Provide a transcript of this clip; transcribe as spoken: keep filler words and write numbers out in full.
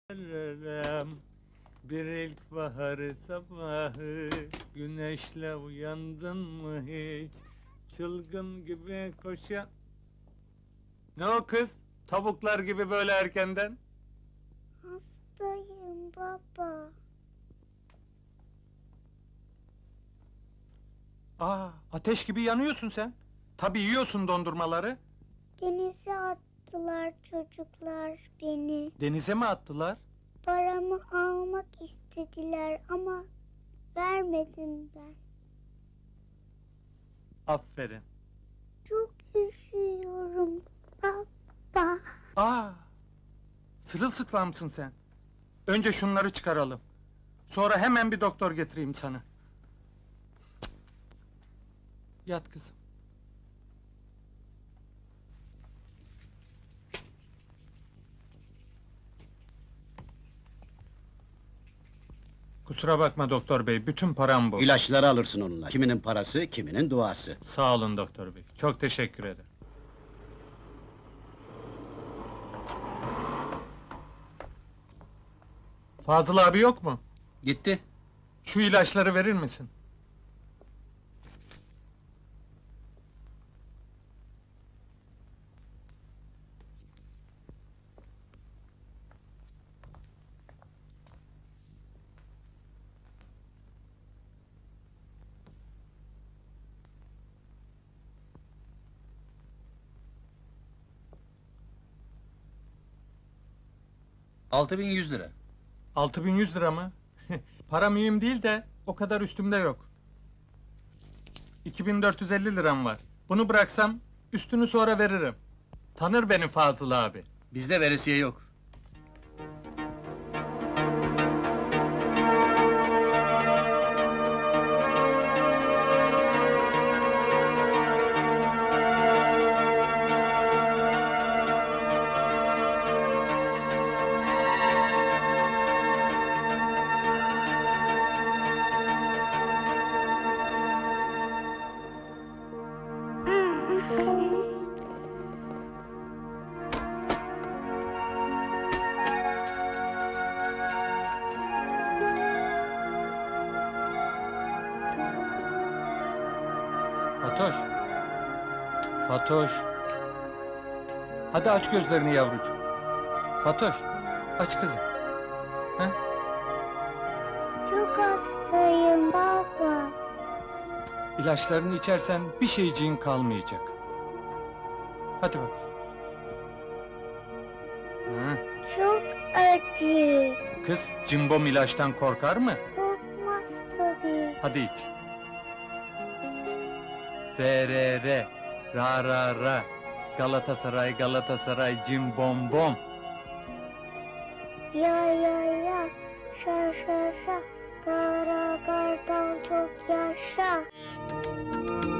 Ararım bir ilkbahar sabahı, güneşle uyandın mı hiç? Çılgın gibi koşan... Ne o kız? Tavuklar gibi böyle erkenden? Hastayım baba. Aa, ateş gibi yanıyorsun sen. Tabii yiyorsun dondurmaları. Denize attılar çocuklar beni. Denize mi attılar? Paramı almak istediler ama vermedim ben. Aferin. Çok üşüyorum baba. Aa, sırılsıklamsın sen. Önce şunları çıkaralım. Sonra hemen bir doktor getireyim sana. Cık. Yat kızım. Kusura bakma doktor bey, bütün param bu. İlaçları alırsın onunla. Kiminin parası, kiminin duası. Sağ olun doktor bey, çok teşekkür ederim. Fazıl abi yok mu? Gitti. Şu ilaçları verir misin? Altı bin yüz lira. Altı bin yüz lira mı? Para mühim değil de, o kadar üstümde yok. İki bin dört yüz elli liram var. Bunu bıraksam, üstünü sonra veririm. Tanır beni Fazıl abi. Bizde veresiye yok. Fatoş! Fatoş! Hadi aç gözlerini yavrucuğum. Fatoş, aç kızım. Ha? Çok hastayım baba. İlaçlarını içersen bir şeyciğin kalmayacak. Hadi bak. Ha? Çok acı. Kız, cimbom ilaçtan korkar mı? Korkmaz tabii. Hadi iç. Re re re, ra ra ra. Galatasaray, Galatasaray, cimbom bom. Ya ya ya. Şa şa şa. Kara kartal çok yaşa.